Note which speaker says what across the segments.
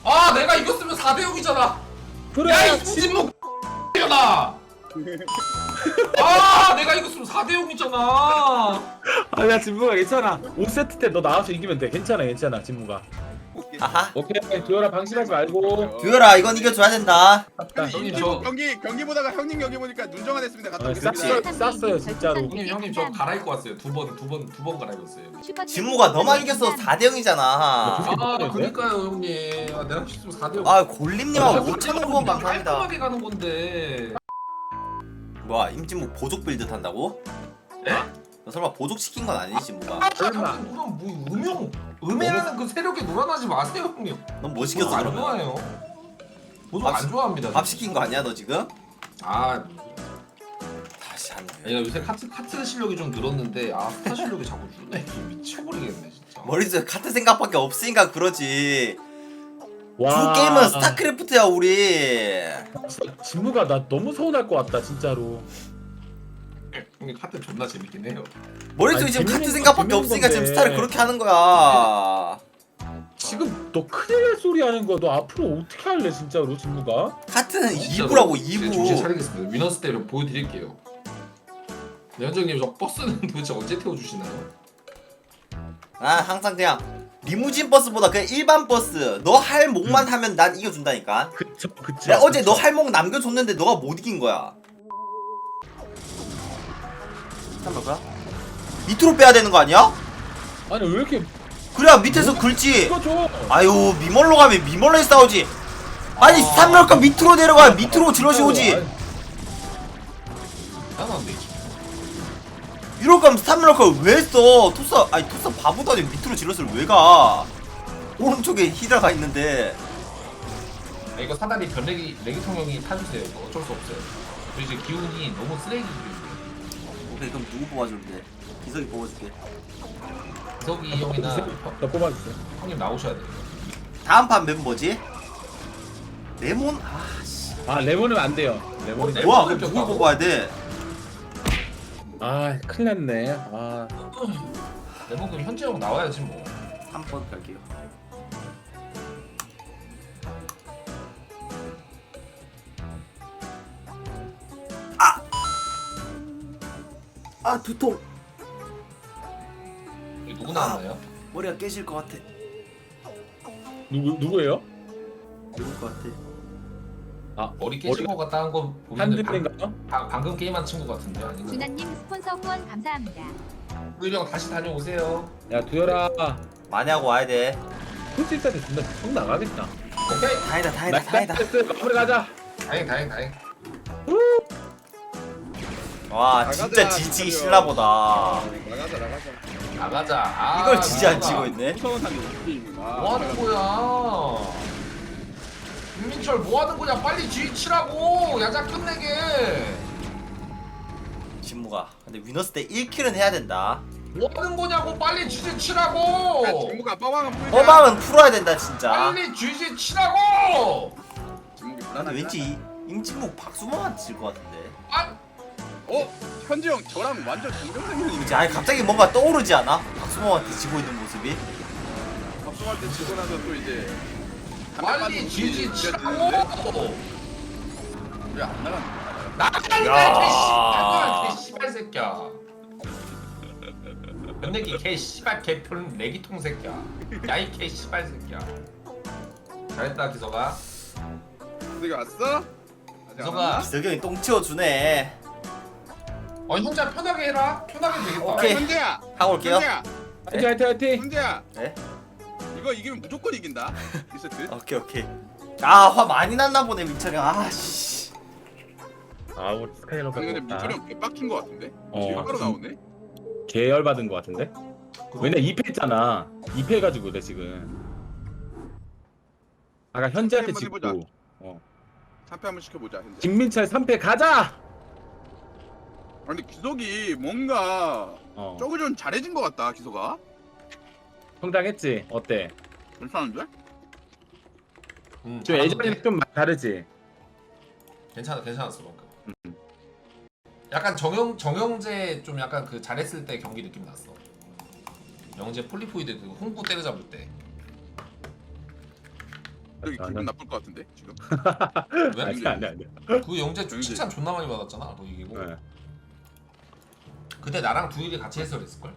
Speaker 1: 아 내가 이겼으면 4대 0이잖아.
Speaker 2: 그래.
Speaker 1: 야 임진묵 나. 아 내가 이겼으면 4대 0이잖아.
Speaker 2: 아야 진무가 괜찮아. 5세트 때 너 나와서 이기면 돼. 괜찮아 괜찮아 진무가.
Speaker 3: 아하.
Speaker 2: 오케이 듀얼아 방심하지 말고.
Speaker 3: 듀얼아 이건 이겨줘야 된다.
Speaker 1: 형님,
Speaker 4: 저
Speaker 1: 저-
Speaker 4: 경기 보다가 형님 경기 보니까 눈정화 됐습니다. 갔다 오겠습니다.
Speaker 2: 쌌어요 진짜로.
Speaker 1: 형님 저 갈아입고 왔어요. 두 번 갈아입었어요.
Speaker 3: 진무가 너만 이겼어 4대 0이잖아.
Speaker 1: 아 그니까요 형님. 아, 내가 했으면 4대 0.
Speaker 3: 아 골림님하고 5,000원 후원 감사합니다.
Speaker 1: 깔끔하게 가는 건데.
Speaker 3: 뭐야 임진묵 보족 빌드 탄다고?
Speaker 1: 네?
Speaker 3: 너 설마 보족 시킨 건 아니지 진무가?
Speaker 1: 아 형님 그럼 뭐 음해라는 그 세력에 놀아나지 마세요 형님.
Speaker 3: 넌 뭐 시켰어
Speaker 1: 안
Speaker 3: 그러면?
Speaker 1: 좋아해요. 보도
Speaker 3: 밥
Speaker 1: 안 좋아합니다.
Speaker 3: 밥 시킨 거 아니야 너 지금?
Speaker 1: 아
Speaker 3: 다시 한 번.
Speaker 1: 내가 요새 카트 실력이 좀 늘었는데 아 스타 실력이 자꾸 줄네. 미쳐버리겠네 진짜.
Speaker 3: 머릿속에 카트 생각밖에 없으니까 그러지.
Speaker 2: 와.
Speaker 3: 주 게임은 스타크래프트야 우리.
Speaker 2: 진무가 나 너무 서운할 것 같다 진짜로.
Speaker 1: 형님 카트 존나 재밌긴 해요.
Speaker 3: 머릿속에
Speaker 2: 아니,
Speaker 3: 지금 카트
Speaker 2: 재밌는
Speaker 3: 생각밖에
Speaker 2: 건
Speaker 3: 없으니까 지금
Speaker 2: 재밌는
Speaker 3: 스타를
Speaker 2: 건데.
Speaker 3: 그렇게 하는 거야.
Speaker 2: 지금 너 큰일 날 소리 하는 거 너 앞으로 어떻게 할래 진짜로 진무가?
Speaker 3: 카트는
Speaker 1: 진짜로
Speaker 3: 2부라고
Speaker 1: 제가 정신
Speaker 3: 2부.
Speaker 1: 차리겠습니다. 위너스 때를 보여드릴게요. 네, 현정님 저 버스는 도대체 언제 태워주시나요?
Speaker 3: 난 항상 그냥 리무진 버스보다 그냥 일반 버스. 너 할 목만 하면 난 이겨준다니까.
Speaker 2: 그쵸.
Speaker 3: 내가 어제 너 할 목 남겨줬는데 너가 못 이긴 거야. 잠깐만. 밑으로 빼야 되는 거 아니야?
Speaker 2: 아니 왜 이렇게
Speaker 3: 그래야 밑에서 긁지.
Speaker 2: 이거 줘.
Speaker 3: 아유 미멀로 가면 미멀로에 싸우지. 아니 스탑럴까 밑으로 내려가 밑으로 질럿이 오지.
Speaker 1: 나는데
Speaker 3: 이럴 거면 스탑럴까 왜 써? 토스 아니 토스 바보도 아니고 밑으로 질럿을 왜 가? 오른쪽에 히드라가 있는데.
Speaker 1: 이거 사다리 레기통 형이 타주세요. 이거 어쩔 수 없어요. 저 이제 기운이 너무 쓰레기 기운이에요.
Speaker 3: 오케이 그럼 누구 뽑아주면 돼? 기석이 뽑아줄게.
Speaker 1: 기석이 형이나
Speaker 2: 나 뽑아주세요.
Speaker 1: 형님 나오셔야 돼요.
Speaker 3: 다음 판 멤버지? 레몬? 아씨.
Speaker 2: 아 레몬은 안 돼요. 레몬이.
Speaker 1: 네.
Speaker 3: 뭐야 그럼 누굴 뽑아야 돼?
Speaker 2: 아 큰일 났네. 아
Speaker 1: 레몬 그럼 현재 형 나와야지 뭐.
Speaker 3: 한 번 갈게요. 아 두통.
Speaker 1: 여기 누구 나왔나요?
Speaker 3: 머리가 깨질 것 같아.
Speaker 2: 누구예요?
Speaker 3: 죽을 것 같아.
Speaker 1: 머리 깨진 거 같다 한 거 보면은
Speaker 2: 한드인가요?
Speaker 1: 방금 게임한 친구 같은데 아닌가?
Speaker 5: 준하님 스폰서 후원 감사합니다.
Speaker 1: 우리 형 다시 다녀오세요.
Speaker 2: 야 두열아.
Speaker 3: 많이 하고 와야 돼.
Speaker 2: 솔직히 때 존나 성 나가겠다.
Speaker 1: 오케이.
Speaker 3: 다행이다.
Speaker 2: 나이스 마무리 가자.
Speaker 1: 다행.
Speaker 3: 와 진짜 지치기 싫나보다.
Speaker 4: 나가자.
Speaker 1: 나가자.
Speaker 3: 이걸 진짜 안
Speaker 1: 나가자.
Speaker 3: 치고 있네.
Speaker 4: 무서운 사람이 게임이구나.
Speaker 1: 뭐 하는 거야? 윤민철 뭐 하는 거냐? 빨리 G 치라고. 야자 끝내게.
Speaker 3: 진무가. 근데 위너스 때 1킬은 해야 된다.
Speaker 1: 뭐 하는 거냐고 빨리 G 치라고.
Speaker 4: 진무가 빠방은 풀자.
Speaker 3: 허방은 풀어야 된다 진짜.
Speaker 1: 빨리 G 치라고.
Speaker 4: 진무기
Speaker 3: 근데
Speaker 4: 불안하다.
Speaker 3: 왠지 임진묵 박수범한테 질 것 같은데.
Speaker 1: 아,
Speaker 4: 현지 형 저랑 완전 동병상련이네.
Speaker 3: 이제 아니 갑자기 뭔가 떠오르지 않아? 박수범한테 지고 있는 모습이?
Speaker 4: 박수할 때 지고 나서 또 이제
Speaker 1: 빨리 G 치라고.
Speaker 4: 왜안 나가는 거야?
Speaker 1: 나가라 개 씨발 새끼야. 연내기 개 씨발 개털 내기통 새끼야. 야이 개 씨발 새끼야. 잘했다 기석아.
Speaker 4: 너희 왔어?
Speaker 1: 기석아.
Speaker 3: 기석이 똥 치워주네.
Speaker 1: 혼자 편하게 해라. 편하게 되겠다.
Speaker 3: 오케이.
Speaker 4: 현재야.
Speaker 3: 하고 올게요.
Speaker 4: 현재야.
Speaker 2: 화이팅.
Speaker 4: 현재야.
Speaker 3: 네?
Speaker 4: 이거 이기면 무조건 이긴다. 2세트.
Speaker 3: 오케이. 아 화 많이 났나 보네 민철이 형. 아씨.
Speaker 2: 아 우리 스카이러가
Speaker 4: 아니 근데 민철이 형 개빡친 거 같은데? 바로 나오네?
Speaker 2: 계열 받은 거 같은데? 왜냐 2패 했잖아. 2패 해가지고 그래 지금. 아까 현재한테
Speaker 4: 한번
Speaker 2: 지고.
Speaker 4: 해보자. 3패 한번 시켜보자 현재.
Speaker 2: 김민철 3패 가자.
Speaker 4: 아니 기석이 뭔가 저거 좀 잘해진 거 같다 기석아.
Speaker 2: 성장했지. 어때?
Speaker 4: 괜찮은데?
Speaker 2: 좀
Speaker 1: 잘하는데?
Speaker 2: 예전이랑 좀 다르지.
Speaker 1: 괜찮았어 방금. 약간 정영재 좀 약간 그 잘했을 때 경기 느낌 났어. 영재 폴리포이드 그 홍구 때려잡을 때.
Speaker 4: 여기 기분 나쁠 것 같은데 지금.
Speaker 1: 왜?
Speaker 2: 아니.
Speaker 1: 그 영재 칭찬 존나 많이 받았잖아. 그 이기고.
Speaker 2: 네.
Speaker 1: 그때 나랑 두일이 같이 해서 그랬을걸?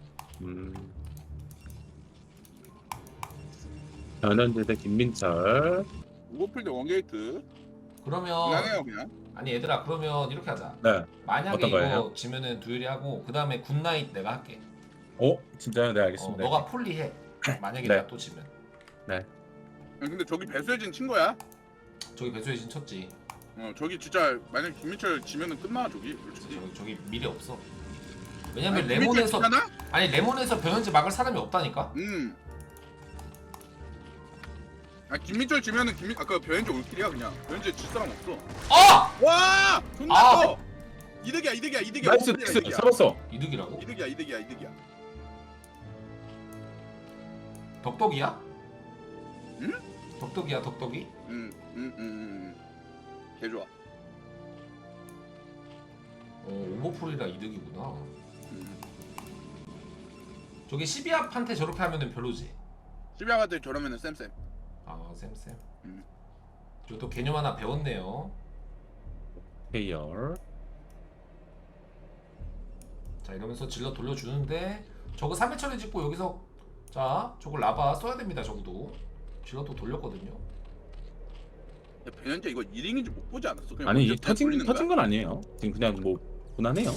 Speaker 2: 변현재 대 김민철.
Speaker 4: 우버필드 원게이트.
Speaker 1: 그러면
Speaker 4: 그냥해요 그냥.
Speaker 1: 아니 얘들아 그러면 이렇게 하자.
Speaker 2: 네.
Speaker 1: 만약에
Speaker 2: 어떤
Speaker 1: 이거
Speaker 2: 거예요?
Speaker 1: 지면은 두일이 하고 그 다음에 굿나잇 내가 할게.
Speaker 2: 진짜요? 네 알겠습니다.
Speaker 1: 너가 폴리해. 만약에
Speaker 2: 네.
Speaker 1: 내가 또 지면.
Speaker 4: 근데 저기 배수혜진 친 거야?
Speaker 1: 저기 배수혜진 쳤지.
Speaker 4: 저기 진짜 만약 김민철 지면은 끝나 저기. 솔직히.
Speaker 1: 저기 미래 없어. 왜냐면
Speaker 4: 아니, 김민철
Speaker 1: 레몬에서
Speaker 4: 지잖아?
Speaker 1: 아니 레몬에서 변현재 막을 사람이 없다니까.
Speaker 4: 김민철 지면은 그 변현재 올킬이야 그냥. 변현재 질 사람 없어.
Speaker 1: 아!
Speaker 4: 와! 존나
Speaker 1: 아!
Speaker 4: 커! 이득이야.
Speaker 2: 나이스
Speaker 4: 오버필드야,
Speaker 2: 나이스 잡았어.
Speaker 1: 이득이라고?
Speaker 4: 이득이야.
Speaker 1: 덕덕이야?
Speaker 4: 응?
Speaker 1: 덕덕이야 덕덕이?
Speaker 4: 개 좋아.
Speaker 1: 오버풀이라 이득이구나. 저기 12합한테 저렇게 하면은 별로지.
Speaker 4: 12화한테 저러면은 쌤.
Speaker 1: 아 쌤.
Speaker 4: 음.
Speaker 1: 저또 개념 하나 배웠네요.
Speaker 2: 페이얼.
Speaker 1: 자 이러면서 질러 돌려주는데 저거 3회 처리 짓고 여기서 자 저걸 라바 써야 됩니다. 적어도 질러 또 돌렸거든요.
Speaker 4: 야, 변현재 이거 1인인지 못 보지 않았어? 그냥
Speaker 2: 아니
Speaker 4: 먼저
Speaker 2: 이 터진
Speaker 4: 돌리는 거야?
Speaker 2: 건 아니에요. 지금 그냥 뭐 무난해요.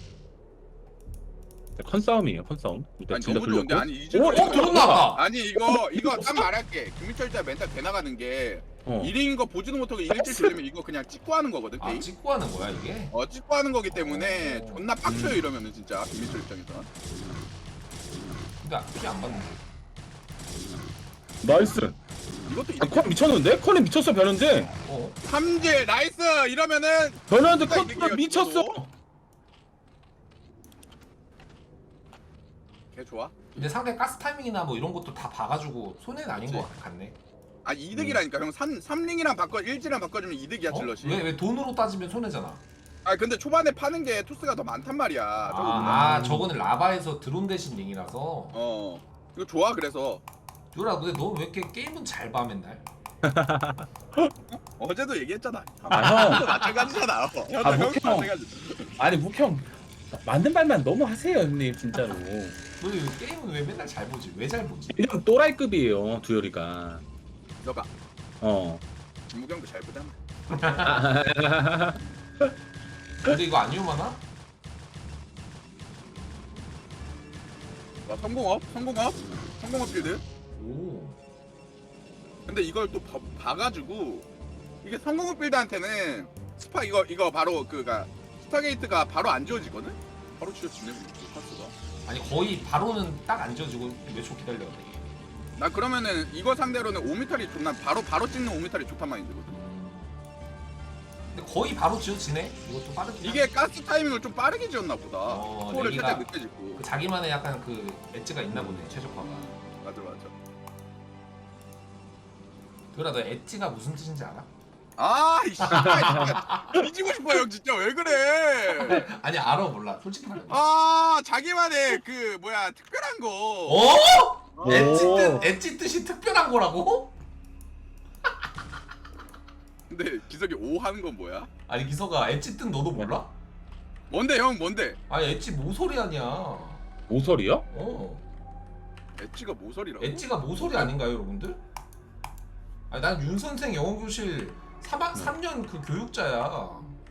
Speaker 2: 컨싸움이에요. 컨싸움. 일단
Speaker 4: 아니
Speaker 2: 질러
Speaker 4: 너무 좋은데
Speaker 2: 돌렸고.
Speaker 4: 아니 이제
Speaker 1: 들었나 봐.
Speaker 4: 아니 이거 딱 말할게. 김민철 진짜 멘탈 개 나가는 게 1인인 거 보지도 못하고 1인질 돌리면 이거 그냥 찍고 하는 거거든
Speaker 1: 아
Speaker 4: 게임.
Speaker 1: 찍고 하는 거야 이게?
Speaker 4: 찍고 하는 거기 때문에
Speaker 1: 어.
Speaker 4: 존나 빡쳐요 이러면은 진짜 김민철 입장에서.
Speaker 1: 근데 피 안 받는데.
Speaker 2: 나이스.
Speaker 4: 이것도
Speaker 2: 컨 미쳤는데? 컨에 미쳤어 변현재.
Speaker 4: 삼질 나이스 이러면은
Speaker 2: 변현재
Speaker 4: 누가
Speaker 2: 컨
Speaker 4: 이득이야,
Speaker 2: 미쳤어.
Speaker 4: 저거? 개 좋아.
Speaker 1: 근데 상대 가스 타이밍이나 뭐 이런 것도 다 봐가지고 손해는 아닌
Speaker 4: 그치.
Speaker 1: 것 같네.
Speaker 4: 아 이득이라니까 형 3링이랑 바꿔 1지랑 바꿔주면 이득이야 질럿이.
Speaker 1: 왜 돈으로 따지면 손해잖아.
Speaker 4: 아 근데 초반에 파는 게 토스가 더 많단 말이야.
Speaker 1: 저거는 라바에서 드론 대신 링이라서.
Speaker 4: 이거 좋아 그래서.
Speaker 1: 유라 근데 너 왜 이렇게 게임은 잘 봐 맨날?
Speaker 4: 어제도 얘기했잖아.
Speaker 2: 형.
Speaker 4: 마찬가지잖아.
Speaker 2: 아, 아니 묵형 맞는 말만 너무 하세요 형님 진짜로.
Speaker 1: 너 게임은 왜 맨날 잘 보지? 왜 잘 보지?
Speaker 2: 이런 또라이급이에요 두열이가.
Speaker 4: 너가
Speaker 2: 어.
Speaker 4: 김무경도 잘 보잖아.
Speaker 1: 근데 이거 안 위험하나?
Speaker 4: 와 성공업 필드.
Speaker 1: 오.
Speaker 4: 근데 이걸 또 봐가지고 이게 성공업 필드한테는 스파 이거 바로 그가 스타게이트가 바로 안 지워지거든. 바로 지워지네 파스가.
Speaker 1: 아니 거의 바로는 딱 안 지어지고 몇 초 기다려야 돼.
Speaker 4: 나 그러면은 이거 상대로는 5m이 존나 바로 찍는 5m이 좋단 마인드거든.
Speaker 1: 근데 거의 바로 지어지네. 이것도 빠르긴
Speaker 4: 이게 가스 타이밍을 좀 빠르게 지었나 보다. 스포를
Speaker 1: 내기가
Speaker 4: 살짝 늦게 짓고.
Speaker 1: 그 자기만의 약간 그 엣지가 있나 보네 최적화가.
Speaker 4: 맞아.
Speaker 1: 그러라 너 엣지가 무슨 뜻인지 알아?
Speaker 4: 이씨 뒤지고 싶어 형 진짜 왜 그래?
Speaker 1: 아니 알아 몰라 솔직히 말해.
Speaker 4: 자기만의 그 뭐야 특별한 거.
Speaker 1: 어? 엣지 뜻이 특별한 거라고?
Speaker 4: 근데 기석이 O 하는 건 뭐야?
Speaker 1: 아니 기서가 엣지 뜻 너도 몰라?
Speaker 4: 뭔데 형 뭔데?
Speaker 1: 아니 엣지 모서리 아니야.
Speaker 2: 모서리요?
Speaker 4: 엣지가 모서리라고?
Speaker 1: 엣지가 모서리 아닌가요 여러분들? 아니 난 윤 선생 영어 교실 3년 그 교육자야.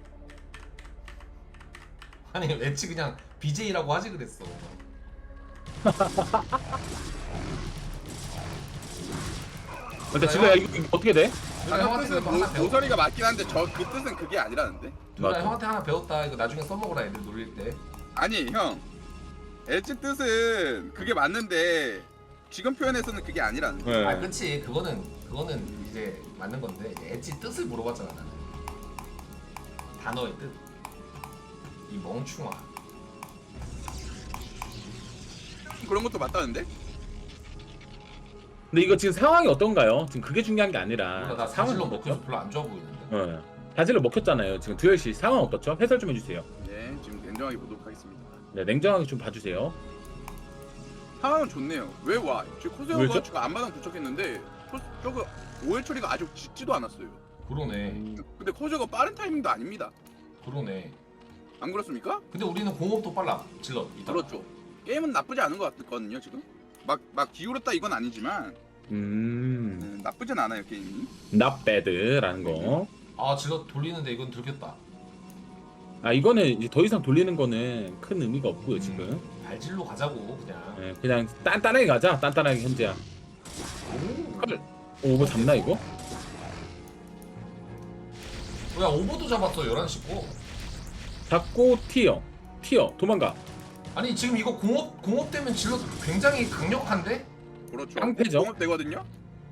Speaker 1: 아니 엣지 그냥 BJ라고 하지 그랬어.
Speaker 2: 근데 지금 야, 이거 어떻게 돼?
Speaker 1: 누나 형한테
Speaker 4: 뜻은
Speaker 1: 그거 하나 배웠다.
Speaker 4: 모서리가 맞긴 한데 그 뜻은 그게 아니라는데?
Speaker 1: 누나
Speaker 2: 맞아.
Speaker 1: 형한테 하나 배웠다. 이거 나중에 써먹어라 애들 놀릴 때.
Speaker 4: 아니 형 엣지 뜻은 그게 맞는데 지금 표현에서는 그게 아니라는데.
Speaker 2: 네.
Speaker 1: 아 그치 그거는 이제 맞는 건데 이제 엣지 뜻을 물어봤잖아 나는. 단어의 뜻. 이 멍충아.
Speaker 4: 그런 것도 맞다는데?
Speaker 2: 근데 이거 지금 상황이 어떤가요? 지금 그게 중요한 게 아니라
Speaker 1: 몰라 나
Speaker 2: 상황이
Speaker 1: 사실로
Speaker 2: 어떻죠?
Speaker 1: 먹혀서 별로 안 좋아 보이는데.
Speaker 2: 네. 다질로 먹혔잖아요. 지금 두열 씨 상황 어떻죠? 해설 좀 해주세요.
Speaker 4: 네 지금 냉정하게 보도록 하겠습니다.
Speaker 2: 네, 냉정하게 좀 봐주세요.
Speaker 4: 상황은 좋네요. 왜 와? 지금
Speaker 2: 왜죠?
Speaker 4: 코세오가 지금 앞마당 도착했는데 저거 오일 처리가 아직 짓지도 않았어요.
Speaker 1: 그러네.
Speaker 4: 근데 커저가 빠른 타이밍도 아닙니다.
Speaker 1: 그러네.
Speaker 4: 안 그렇습니까?
Speaker 1: 근데 우리는 공업도 빨라. 질럿. 이따.
Speaker 4: 그렇죠. 게임은 나쁘지 않은 것 같거든요 지금. 막 기울었다 이건 아니지만 나쁘진 않아요 게임이.
Speaker 2: not bad라는 거.
Speaker 1: 아 질럿 돌리는데 이건 들켰다.
Speaker 2: 아 이거는 이제 더 이상 돌리는 거는 큰 의미가 없고요 지금.
Speaker 1: 발질로 가자고 그냥.
Speaker 2: 예, 그냥 단단하게 가자. 단단하게 현재야.
Speaker 1: 오.
Speaker 2: 오 이거 잡나 이거?
Speaker 1: 야 오버도 잡았어 11시 고.
Speaker 2: 잡고 튀어 도망가.
Speaker 1: 아니 지금 이거 공업 되면 질럿 굉장히 강력한데?
Speaker 4: 그렇죠.
Speaker 2: 깡패죠.
Speaker 4: 공업 되거든요.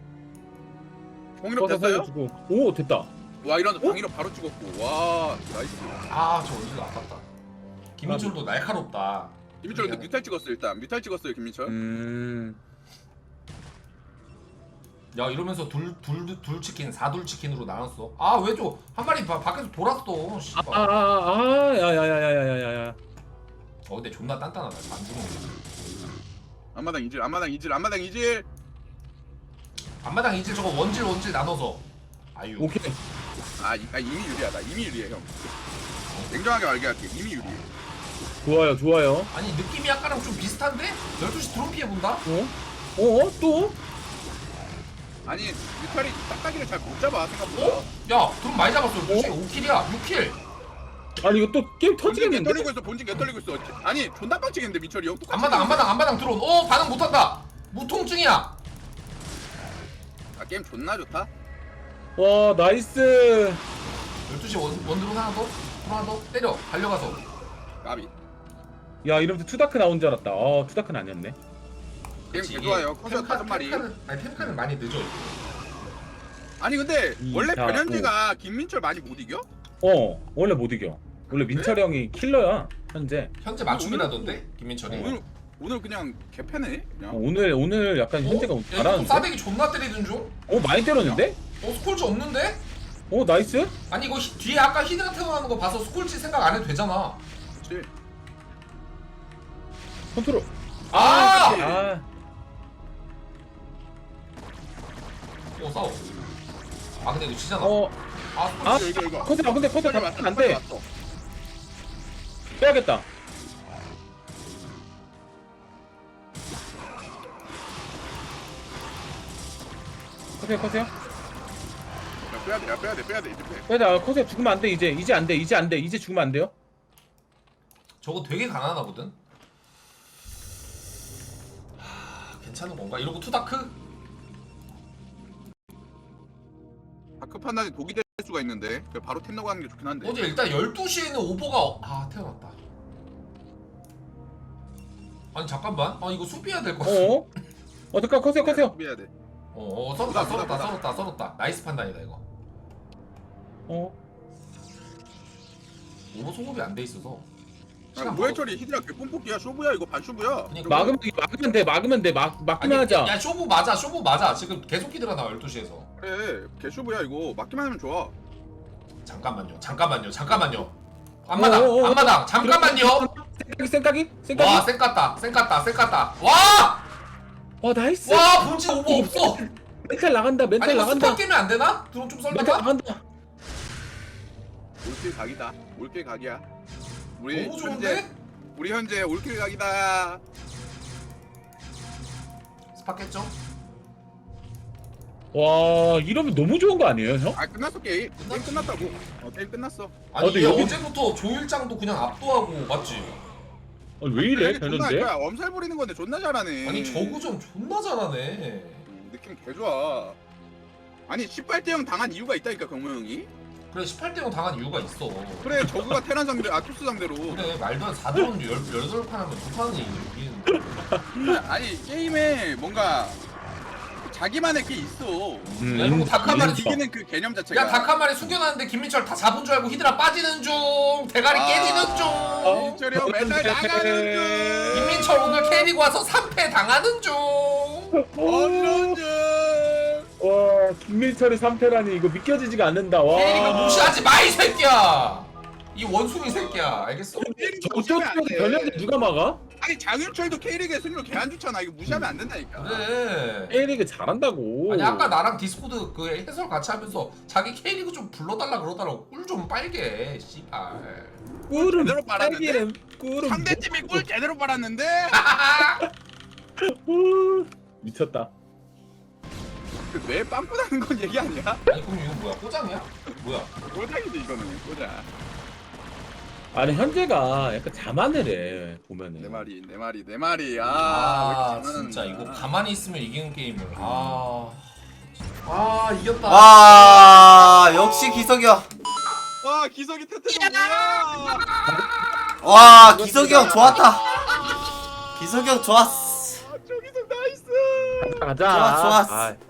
Speaker 4: 공이업
Speaker 2: 써서
Speaker 4: 됐어요?
Speaker 2: 살려주고. 오 됐다.
Speaker 4: 와 이런 방이로 바로 찍었고 와 나이스.
Speaker 1: 아저 원질 아깝다. 김민철도 날카롭다.
Speaker 4: 김민철 근데 뮤탈 찍었어 일단. 뮤탈 찍었어요 김민철.
Speaker 1: 야 이러면서 둘 치킨 4둘 치킨으로 나눴어. 아 왜 저 한 마리 밖에서 돌았어. 씨발.
Speaker 2: 야야야야야야야.
Speaker 1: 근데 존나 단단하다. 안 죽는 거.
Speaker 4: 앞마당 이질 앞마당 이질 앞마당 이질.
Speaker 1: 앞마당 이제 저거 원질 나눠서. 아유.
Speaker 2: 오케이.
Speaker 4: 이미 유리하다. 이미 유리해 형. 냉정하게 말게 할게. 이미 유리해.
Speaker 2: 좋아요.
Speaker 1: 아니 느낌이 아까랑 좀 비슷한데? 12시 드론 피해 본다?
Speaker 2: 또?
Speaker 4: 아니 뮤탈이 딱딱이를 잘 못 잡아 생각보다.
Speaker 1: 어? 야 드론 많이 잡았어. 12시 5킬이야. 6킬.
Speaker 2: 아니 이거 또 게임
Speaker 4: 본진 개
Speaker 2: 터지겠는데?
Speaker 4: 떨리고 있어. 본진 개 떨리고 있어. 아니 존나 빡치겠는데 민철이 형. 똑같이
Speaker 1: 앞마당 드론. 반응 못한다. 무통증이야.
Speaker 4: 아 게임 존나 좋다.
Speaker 2: 와 나이스.
Speaker 1: 12시 원드론 하나 더 때려. 달려가서.
Speaker 4: 까비.
Speaker 2: 야 이러면서 투다크 나온 줄 알았다. 투다크는 아니었네.
Speaker 4: 게임 개 좋아요. 커서 5마리.
Speaker 1: 템카는 많이 늦어.
Speaker 4: 아니 근데 원래
Speaker 2: 자,
Speaker 4: 변현재가 김민철 많이 못 이겨?
Speaker 2: 원래 못 이겨. 원래 민철 형이 킬러야 현재.
Speaker 1: 현재 맞춤이라던데 김민철이.
Speaker 4: 오늘 그냥 개패네. 그냥.
Speaker 2: 오늘 약간 현재가
Speaker 1: 야, 이거
Speaker 2: 잘하는데.
Speaker 1: 싸대기 존나 때리던 중?
Speaker 2: 많이 때렸는데?
Speaker 1: 스콜지 없는데?
Speaker 2: 나이스.
Speaker 1: 아니 이거 뒤에 아까 히드라 태어나는 거 봐서 스콜지 생각 안 해도 되잖아.
Speaker 4: 그렇지.
Speaker 2: 컨트롤.
Speaker 1: 아! 싸워. 근데 이거 지잖아. 스콜지.
Speaker 4: 이거.
Speaker 2: 컨트롤 근데 컨트롤
Speaker 4: 왔어,
Speaker 2: 안 돼.
Speaker 4: 왔어.
Speaker 2: 빼야겠다. 커세요.
Speaker 4: 야, 빼야 돼 이제 빼.
Speaker 2: 빼자. 커세요 죽으면 안 돼 이제 안 돼. 이제 죽으면 안 돼요.
Speaker 1: 저거 되게 가난하나 보든? 괜찮은 건가? 이러고 투다크?
Speaker 4: 다크 판단이 독이 될 수가 있는데 바로 템 넣고 하는 게 좋긴 한데.
Speaker 1: 어제 일단 12시에는 오버가 태어났다. 아니 잠깐만. 이거 수비해야 될 것 같아.
Speaker 2: 잠깐 커세요.
Speaker 4: 해야 돼.
Speaker 1: 썰었다. 나이스 판단이다 이거. 오버 소급이 안 돼 있어서.
Speaker 4: 뭐해 처리 히드라 개 뽐뿌기야 쇼부야 이거 반 쇼부야.
Speaker 1: 그러니까
Speaker 2: 막으면 돼. 막기만 하자.
Speaker 1: 야 쇼부 맞아. 지금 계속 히드라 나와 12시에서.
Speaker 4: 그래 개 쇼부야 이거 막기만 하면 좋아.
Speaker 1: 잠깐만요. 앞마당 잠깐만요.
Speaker 2: 생각이?
Speaker 1: 와 쌩 깠다. 와
Speaker 2: 나이스.
Speaker 1: 본진 오버 없어.
Speaker 2: 멘탈 나간다.
Speaker 1: 아니 이거 스팟 깨면 안 되나? 드론 좀
Speaker 2: 멘탈
Speaker 1: 썰다가?
Speaker 2: 나간다.
Speaker 4: 올길 각이다. 올길 각이야. 우리
Speaker 1: 너무 좋은데?
Speaker 4: 현재 올길 각이다.
Speaker 1: 스팟 깼죠?
Speaker 2: 와 이러면 너무 좋은 거 아니에요 형?
Speaker 4: 끝났어 게임. 게임 끝났다고. 게임 끝났어.
Speaker 1: 아니
Speaker 2: 근데
Speaker 1: 이게
Speaker 2: 여기-
Speaker 1: 어제부터 조일장도 그냥 압도하고 맞지?
Speaker 2: 왜 이래
Speaker 4: 존나 할
Speaker 2: 되는데?
Speaker 4: 거야. 엄살 부리는 건데 존나 잘하네.
Speaker 1: 아니 저구점 존나 잘하네.
Speaker 4: 느낌 개 좋아. 아니 18대 0 당한 이유가 있다니까 경모 형이.
Speaker 1: 그래 18대 0 당한 이유가 있어.
Speaker 4: 그래 저그가 테란 상대 토스 상대로.
Speaker 1: 그래 말도 안 4드론 18판 하면 2판은 이기는.
Speaker 4: 아니 게임에 뭔가 자기만의 게 있어.
Speaker 1: 야, 이거 닭 한 마리
Speaker 4: 이기는 그 개념 자체가.
Speaker 1: 야 닭 한 마리 숨겨놨는데 김민철 다 잡은 줄 알고 히드라 빠지는 중. 대가리 깨지는 중.
Speaker 4: 민철이 형 맨날 나가는 중.
Speaker 1: 김민철 오늘 캐리고 와서 3패 당하는 중.
Speaker 4: 어느 중.
Speaker 2: 와 김민철이 3패라니 이거 믿겨지지가 않는다. 와.
Speaker 1: 캐리가 무시하지 마 이 새끼야. 이 원숭이 새끼야. 알겠어?
Speaker 2: 저쪽에서 변현재 누가 막아?
Speaker 4: 아니 장윤철도 K리그의 승률 개 안 좋잖아. 이거 무시하면 안 된다니까.
Speaker 1: 그래.
Speaker 2: K리그 잘한다고.
Speaker 1: 아니 아까 나랑 디스코드 그 해설 같이 하면서 자기 K리그 좀 불러달라 그러더라고. 꿀 좀 빨게 씨발.
Speaker 2: 꿀은
Speaker 4: 제대로 빨았는데?
Speaker 2: 딸기는 꿀은
Speaker 4: 상대팀이 골 제대로 빨았는데.
Speaker 2: 미쳤다.
Speaker 4: 왜 빵꾸나는 건 얘기 아니야?
Speaker 1: 아니 그럼 이거 뭐야? 꼬장이야? 뭐야?
Speaker 4: 꼬장이지 이거는 꼬장.
Speaker 2: 아니 현재가 약간 자만을 해 보면은.
Speaker 4: 내 말이.
Speaker 1: 아,
Speaker 4: 왜 이렇게
Speaker 1: 진짜
Speaker 4: 장난하는
Speaker 1: 이거
Speaker 4: 거야?
Speaker 1: 가만히 있으면 이기는 게임을. 아 이겼다.
Speaker 3: 와 역시 기석이 형.
Speaker 4: 와 기석이 태태가 뭐야?
Speaker 3: 와 기석이 형 좋았다. 기석이 형 좋았어.
Speaker 4: 아 저기서 나이스.
Speaker 2: 가자.
Speaker 3: 좋았어.
Speaker 2: 아,